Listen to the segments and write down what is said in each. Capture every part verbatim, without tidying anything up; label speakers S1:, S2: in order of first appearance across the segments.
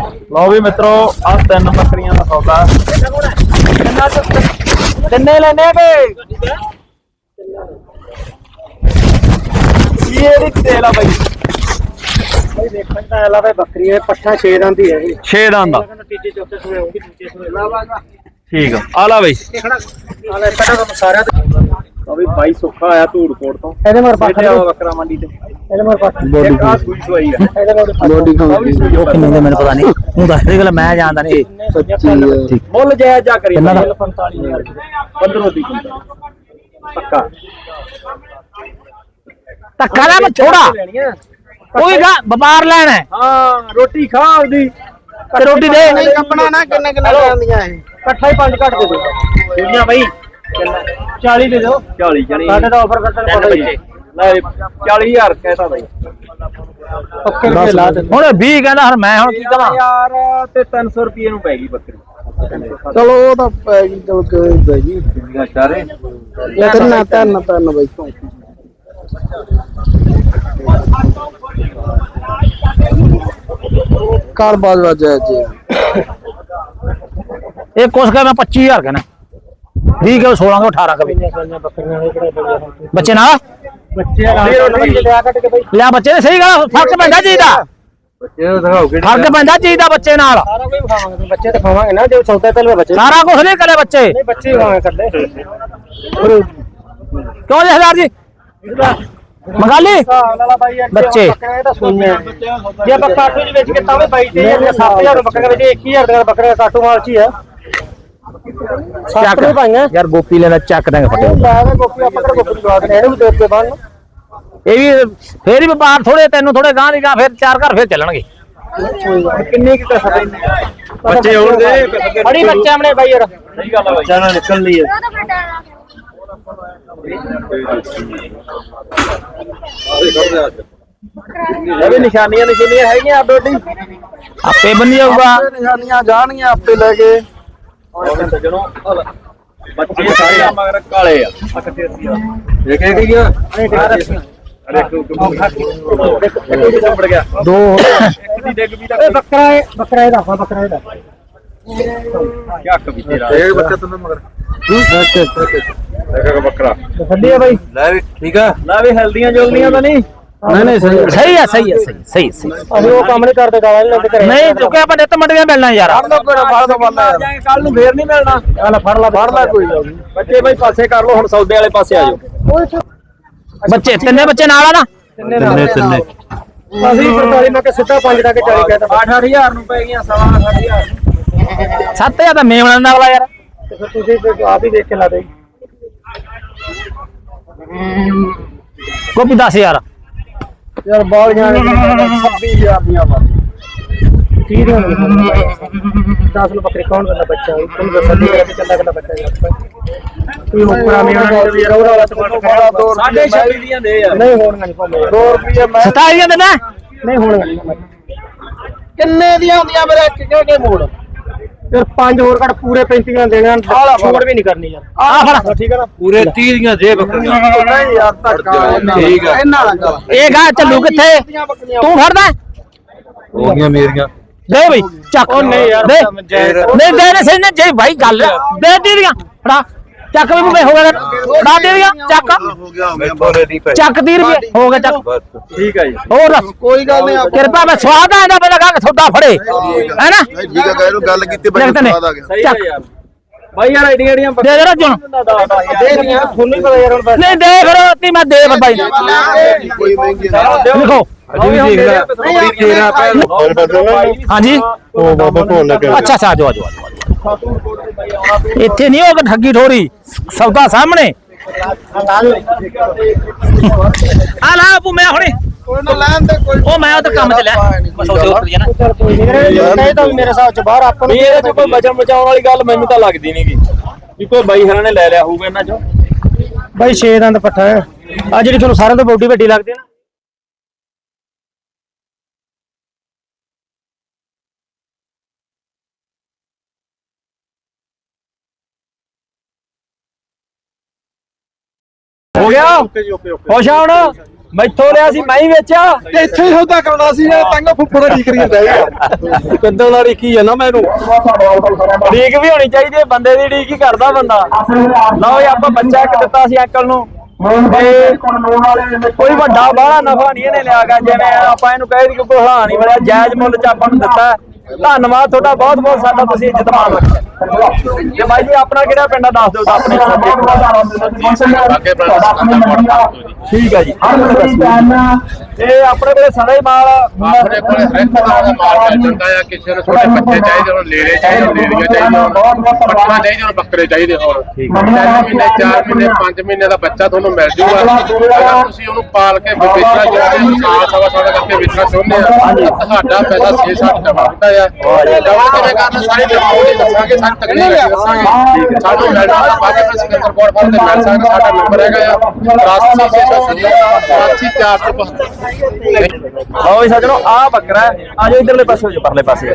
S1: लो भी मित्रों आ तीन बकरियां का सौदा तिन्ने लेने के ये तेल आ भाई भाई देखण दा आला भाई बकरी है पट्ठा छे दंद ही है छे दंद तीजे चौथे सुने होगी तीजे सुने ठीक है आला भाई आला पटा तो सारा अभी भाई सुखा आया धूड़कोट तो ਇਹਦੇ ਮਰ ਪੱਠ ਬੱਕਰਾ ਮੰਡੀ ਤੇ ਇਹਦੇ ਮਰ ਪੱਠ ਬੋਡੀ ਆ ਸੂਈ ਸੂਈ ਹੈ ਇਹਦੇ ਮਰ ਬੋਡੀ ਖਾਉਂਦੀ ਉਹ ਕਿੰਨੇ ਦੇ ਮੈਨੂੰ ਪਤਾ ਨਹੀਂ ਤੂੰ ਦੱਸ ਦੇ ਗੱਲ ਮੈਂ ਜਾਣਦਾ ਨਹੀਂ ਠੀਕ ਮੁੱਲ ਜਾਇਜ਼ ਜਾ ਕਰੀ पैंतालीस हज़ार पंद्रह ਦੀ ਪੱਕਾ ਧੱਕਾ ਨਾ ਮੈਂ ਥੋੜਾ ਕੋਈ ਗਾ ਵਪਾਰ ਲੈਣਾ ਹਾਂ ਰੋਟੀ ਖਾ ਉਹਦੀ ਤੇ ਰੋਟੀ ਦੇ ਨਹੀਂ ਕੱਪਣਾ ਨਾ ਕਿੰਨੇ ਕਿੰਨੇ ਲੈਂਦੀਆਂ ਇਹ ਇਕੱਠਾ ਹੀ ਪੰਜ ਘੱਟ ਦੇ ਦੇ ਜਿਹੜੀਆਂ ਬਾਈ चालीस दे दो चालीस जानी साडे दा ऑफर करते पता ही ले चालीस हज़ार कहता भाई पक्के के ला दे हुन बीस कहंदा हर मैं हुन की कहां यार ते तीन सौ रुपए नु पैगी बकरी चलो ओ तो पैगी चल के पैगी सारे या करना तन तन भाई कार बाज जाए जी एक कोस का मैं पच्चीस हज़ार कहना ठीक है सोलह का अठारह का भी बच्चे ना लिया बच्चे ने सही गल फर्क पैंदा चीज दा फर्क पैंदा चीज दा बच्चे नाल बच्चे तो खावांगे ना जो सौदा तल बच्चे सारा कुछ नहीं करे बच्चे नहीं बच्चे खावे कर दे क्यों जी हजार जी मंगा ली बच्चे ये बक्का आटू जी बेच के तावे बाई ते सात हज़ार बकरा बेच एक ही हज़ार का बकरा काटू माल ची है यार गोपी लेना चक देंगे फटे गोपी अपने गोपी लगा देने ਇਹਨੂੰ ਵੀ ਦੇ ਕੇ ਬਾਣ ਇਹ ਵੀ ਫੇਰ ਹੀ ਵਪਾਰ ਥੋੜੇ ਤੈਨੂੰ ਥੋੜੇ ਗਾਂ ਦੀ ਗਾਂ ਫੇਰ ਚਾਰ ਘਰ ਫੇਰ ਚੱਲਣਗੇ ਕਿੰਨੇ ਕੀ ਪੈਸਾ ਦੇਣੇ ਬੱਚੇ ਹੋਣਗੇ ਬੜੀ ਬੱਚੇ ਆਪਣੇ ਬਾਈ ਯਾਰ ਸਹੀ ਗੱਲ ਹੈ ਬੱਚਾ ਨਾਲ ਨਿਕਲ ਲਈ ਹੈ ਇਹ ਵੀ ਨਿਸ਼ਾਨੀਆਂ ਨਿਸ਼ਾਨੀਆਂ ਹੈਗੀਆਂ ਆਪੇ ਆਪੇ ਬਣ ਜਾਊਗਾ ਨਿਸ਼ਾਨੀਆਂ ਜਾਣਗੀਆਂ ਆਪੇ ਲੈ ਕੇ सजनों बच्चे सारे मगर काले एक एक ही अरे दो बकरा है बकरा है बकरा है क्या कभी तेरा एक बच्चा तुमने मगर एक बकरा ठंडी है भाई ला भी ठीक है ला भी हेल्दियां जल्दियां तो नहीं नहीं नहीं सही सही है सही है सही सही सही अभी वो काम नहीं करते गाला नहीं लेते करे नहीं तो क्या अपन नित मंडियां मिलना यार फड़ लो कोई फड़ दो बंदा यार कल नु फेर नहीं मिलना चल फड़ ला फड़ ला कोई बच्चे भाई पासे कर लो हुन सौदे वाले पासे आ जाओ बच्चे तिन्ने बच्चे नाल आ ना तिन्ने तिन्ने ਅਸੀਂ पैंतालीस ਮੈਂ ਕਿ ਸਿੱਧਾ ਪੰਜ ਲਾ ਕੇ ਚਾਲੀ ਕਹਿੰਦਾ आठ आठ हज़ार ਨੂੰ ਪੈ ਗਈਆਂ सवा आठ हज़ार ਸੱਤ ਹਜ਼ਾਰ ਤਾਂ ਮੇਵਣਾ ਨਾਲ ਵਾਲਾ ਯਾਰ ਤੇ ਫਿਰ ਤੁਸੀਂ ਆਪ ਹੀ ਦੇਖ ਕੇ ਲਾ ਦੇ ਕੋਪੀ दस हज़ार यार बाल जाने छब्बीस हज़ार दिया तीस दस लो बकरी कौन करना बच्चा तुम तो सदी करके चला करना बच्चा कोई ऊपर में रौरा वाला तो साढ़े छब्बीस दियां दे यार नहीं होणगा नहीं दो रुपए मैं सताईस दियां देना नहीं होणगा किन्ने दियां होंदियां मेरे के मोड़ फिर पांच और कट पूरे पैंतीस देना छोड़ भी नहीं करनी यार आ फड़ ठीक है ना पूरे तीस दियां दे बकरियां नहीं यार धक्का ठीक है इन्ना ना चल ए गा चलू किथे तू फड़दा हो गया मेरियां दे भाई ਚੱਕ ओ नहीं यार दे नहीं दे ने सही ने जे भाई गल दे दी दियां फड़ा ਚੱਕ ਵੀ ਮੈਂ ਹੋ ਗਿਆ ਫੜਾ ਦੇ ਦਿਆਂ ਚੱਕ हो गया मैं बोले दी पे ਚੱਕ तीस रुपए हो गया ਚੱਕ ठीक है जी और कोई गल नहीं कृपा मैं स्वाद आंदा पहले कहा सौदा फड़े है ना ठीक है कहरो गल कीती बड़ी स्वाद आ गया सही है यार भाई यार एडी एडियां दे दे रजन दे दियां ਤੁਹਾਨੂੰ ਪਤਾ ਯਾਰ नहीं दे फिर ती मैं दे भाई कोई महंगी देखो अभी भी देख ले तेरा पहले हां जी ओ बाबा बोल लगे अच्छा अच्छा आ जाओ आ जाओ ਇੱਥੇ ਨਹੀਂ ਹੋਗਾ ਠੱਗੀ ਠੋਰੀ ਸੌਦਾ ਸਾਹਮਣੇ ਆ ਲਾ ਆਪੂ ਮੈਂ ਹੁਣੇ ਕੋਈ ਨਾ ਲੈਣ ਦੇ ਕੋਈ ਉਹ ਮੈਂ ਉਧਰ ਕੰਮ ਤੇ ਲੈ ਬਸ ਉੱਥੇ ਉੱਤਰ ਜਾਣਾ ਕੋਈ ਨਹੀਂ ਤਾਂ ਮੇਰੇ ਹਿਸਾਬ ਚ ਬਾਹਰ ਆਪਾਂ ਨੂੰ ਇਹਦੇ ਚ ਕੋਈ ਬਚਣ ਬਚਾਉਣ ਵਾਲੀ ਗੱਲ ਮੈਨੂੰ ਤਾਂ ਲੱਗਦੀ ਨਹੀਂਗੀ ਵੀ ਕੋਈ ਬਾਈ ਹਰਾਂ ਨੇ ਲੈ ਲਿਆ ਹੋਊਗਾ ਇਹਨਾਂ ਚੋਂ ਬਾਈ ਛੇ ਦੰਦ ਪੱਠਾ ਹੈ ਆ ਜਿਹੜੀ ਤੁਹਾਨੂੰ ਸਾਰਿਆਂ ਤੋਂ ਬੋਡੀ ਵੱਡੀ ਲੱਗਦੀ ਹੈ ਨਾ हो गया खुश आ
S2: ਮੈਥੋਂ ਲਿਆ ਸੀ ਮੈਂ ਹੀ ਵੇਚਿਆ
S3: ਤੇ ਇੱਥੇ ਹੀ ਸੌਦਾ ਕਰਾਉਣਾ ਸੀ ਯਾਰ ਤੰਗ ਫੁੱਫੜਾ ਠੀਕ ਕਰੀ ਜਾਂਦਾ ਯਾਰ ਕਿੱਦਾਂ ਦਾ ਰੀਕੀ ਜਾਂਦਾ ਮੈਨੂੰ
S2: ਡੀਕ ਵੀ ਹੋਣੀ ਚਾਹੀਦੀ ਹੈ ਬੰਦੇ ਦੀ ਡੀਕ ਹੀ ਕਰਦਾ ਬੰਦਾ ਲਓ ਜੀ ਆਪਾਂ ਬੱਚਾ ਇੱਕ ਦਿੱਤਾ ਸੀ ਅੰਕਲ ਨੂੰ ਤੇ ਕੋਈ ਵੱਡਾ ਬਾਹਲਾ ਨਫਾ ਨਹੀਂ ਇਹਨੇ ਲਿਆ ਗਾ ਜਿਵੇਂ ਆਪਾਂ ਇਹਨੂੰ ਕਹਿ ਦੀ ਕੋਈ ਹਲਾ ਨਹੀਂ ਮਿਲਿਆ ਜਾਇਜ਼ ਮੁੱਲ ਚ ਆਪਾਂ ਨੂੰ ਦਿੱਤਾ ਧੰਨਵਾਦ ਤੁਹਾਡਾ ਬਹੁਤ ਬਹੁਤ ਸਾਡਾ ਤੁਸੀਂ ਇੱਜ਼ਤ ਮਾਣ ਰੱਖਿਆ ਤੇ ਬਾਈ ਜੀ ਆਪਣਾ ਕਿਹੜਾ ਪਿੰਡ ਆ ਦੱਸ ਦਿਓ ਤਾਂ ਆਪਣੇ ਠੀਕ ਹੈ ਜੀ ਇਹ ਆਪਣੇ ਕੋਲੇ ਸਾਰਾ ਹੀ ਮਾਲ
S4: ਆਪਣੇ ਕੋਲੇ ਹਰ ਇੱਕ ਤਰ੍ਹਾਂ ਦਾ ਮਾਲ ਮਿਲ ਜਾਂਦਾ ਆ ਕਿਸੇ ਨੂੰ ਛੋਟੇ ਬੱਚੇ ਚਾਹੀਦੇ ਹੋਣ ਲੇਲੇ ਚਾਹੀਦੇ ਹੋਣ ਲੇਲੀਆਂ ਚਾਹੀਦੀਆਂ ਹੋਣ ਬੱਕਰਾ ਚਾਹੀਦੇ ਹੋਣ ਬੱਕਰੇ ਚਾਹੀਦੇ ਹੋਣ ਤਿੰਨ ਮਹੀਨੇ ਚਾਰ ਮਹੀਨੇ ਪੰਜ ਮਹੀਨੇ ਦਾ ਬੱਚਾ ਤੁਹਾਨੂੰ ਮਿਲ ਜੂਗਾ ਅਗਰ ਤੁਸੀਂ ਉਹਨੂੰ ਪਾਲ ਕੇ ਵੇਚਣਾ ਚਾਹੁੰਦੇ ਹੋ ਸਾਲ ਸਵਾ ਸਾਲ ਕਰਕੇ ਵੇਚਣਾ ਚਾਹੁੰਦੇ ਆ ਤੁਹਾਡਾ ਪੈਸਾ ਛੇ ਸੱਤ ਟਮਾ ਹੁੰਦਾ ਆ ਡਬਲ ਕਿਵੇਂ ਕਰਨਾ ਸਾਰੀ ਡਿਟੇਲ ਦੱਸਾਂਗੇ ਸਾਰੀ ਤਕਨੀਕ ਦੱਸਾਂਗੇ ਸਾਨੂੰ ਮਿਲਣਾ ਬਾਕੀ ਮੈਂ ਸਿਕੰਦਰਪੁਰ ਫਾਰਮ ਤੇ ਮਿਲ ਸਕਦਾ ਸਾਡਾ ਨੰਬਰ ਹੈਗਾ ਆ ਤਰਾਸੀ ਛੇ ਸੌ ਸੱਤਰ ਚਾਰ ਸੌ
S2: ਲਓ ਜੀ ਸੱਜਣੋ ਆਹ ਬੱਕਰਾ ਹੈ ਆ ਜਾਓ ਇਧਰਲੇ ਪਾਸੇ ਹੋ ਜਾਓ ਪਰਲੇ ਪਾਸੇ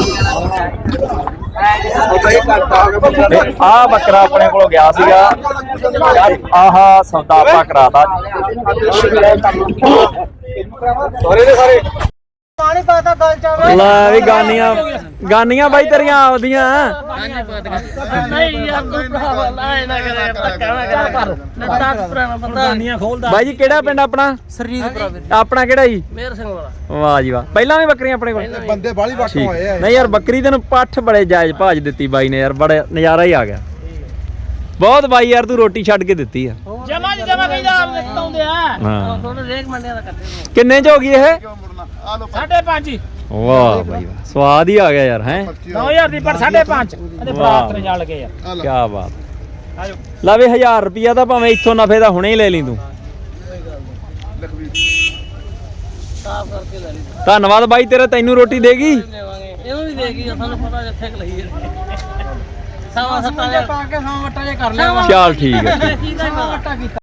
S2: ਆਹ ਬੱਕਰਾ ਆਪਣੇ ਕੋਲੋਂ ਗਿਆ ਸੀਗਾ ਆਹ ਸੌਦਾ ਆਪਾਂ ਕਰਾਤਾ
S3: ਸਾਰੇ ਦੇ ਸਾਰੇ
S1: ਪਾਣੀ ਪਾਤਾ ਗਲ ਚ
S2: ਲੈ ਵੀ ਗਾਨੀਆਂ ਗਾਨੀਆਂ ਬਾਈ ਤੇਰੀਆਂ ਆਉਦੀਆਂ
S1: ਨਹੀਂ ਯਾਰ ਤੂੰ ਭਰਾਵਾ ਲਾਏ ਨਾ ਕਰੇ ਧੱਕਾ ਨਾ ਕਰ ਨੱਟਾ ਪੁਰਾਣਾ ਬੰਦਾ ਗਾਨੀਆਂ ਖੋਲਦਾ
S2: ਬਾਈ ਜੀ ਕਿਹੜਾ ਪਿੰਡ ਆਪਣਾ
S1: ਸਰਜੀਤ ਭਰਾਵੇ
S2: ਆਪਣਾ ਕਿਹੜਾ ਜੀ
S1: ਮੇਰ ਸਿੰਘ ਵਾਲਾ
S2: ਵਾਹ ਜੀ ਵਾਹ ਪਹਿਲਾਂ ਵੀ ਬੱਕਰੀਆਂ ਆਪਣੇ ਕੋਲ
S3: ਬੰਦੇ ਬਾਲੀ ਵਾਟੋਂ ਆਏ ਆ
S2: ਨਹੀਂ ਯਾਰ ਬੱਕਰੀ ਤੈਨੂੰ ਪੱਠ ਬੜੇ ਜਾਇਜ਼ ਭਾਜ ਦਿੱਤੀ ਬਾਈ ਨੇ ਯਾਰ ਬੜਾ ਨਜ਼ਾਰਾ ਹੀ ਆ ਗਿਆ ਬਹੁਤ ਬਾਈ ਯਾਰ ਤੂੰ ਰੋਟੀ ਛੱਡ ਕੇ ਦਿੱਤੀ ਆ
S1: ਜਮਾ ਜਮਾ ਕਹਿੰਦਾ ਆਪ ਨਿਕਤਾਉਂਦੇ ਆ
S2: ਹਾਂ
S1: ਥੋੜੇ ਰੇਕ ਮੰਡਿਆਂ ਦਾ ਕਰਦੇ
S2: ਕਿੰਨੇ ਚ ਹੋ ਗਈ ਇਹ
S1: ਸਾਢੇ ਪੰਜ ਹੀ
S2: ਵਾਹ ਬਾਈ ਵਾਹ ਸਵਾਦ ਹੀ ਆ ਗਿਆ ਯਾਰ ਹੈ
S1: ਨੌ ਹਜ਼ਾਰ ਦੀ ਪਰ ਸਾਢੇ ਪੰਜ ਇਹਦੇ ਬਰਾਤ ਨੇ ਜਾ ਲਗੇ ਯਾਰ
S2: ਕੀ ਬਾਤ ਲਵੇ ਹਜ਼ਾਰ ਰੁਪਿਆ ਤਾਂ ਭਾਵੇਂ ਇੱਥੋਂ ਨਫੇ ਦਾ ਹੁਣੇ ਹੀ ਲੈ ਲਈ ਤੂੰ
S1: ਸਾਫ ਕਰਕੇ ਲੈ ਲਈ
S2: ਧੰਨਵਾਦ ਬਾਈ ਤੇਰਾ ਤੈਨੂੰ ਰੋਟੀ ਦੇਗੀ
S1: ਇਹਨੂੰ ਵੀ ਦੇਗੀ ਸਾਨੂੰ ਪਤਾ ਜਿੱਥੇ ਕ ਲਈ ਸਾਵਾ ਸੱਤਾਂ ਦੇ ਪਾ ਕੇ ਸਾਵਾ ਵਟਾ ਜੇ ਕਰ ਲਿਆ
S2: ਚੱਲ ਠੀਕ ਹੈ
S1: ਕੀ ਦਾ ਵਟਾ ਕੀਤਾ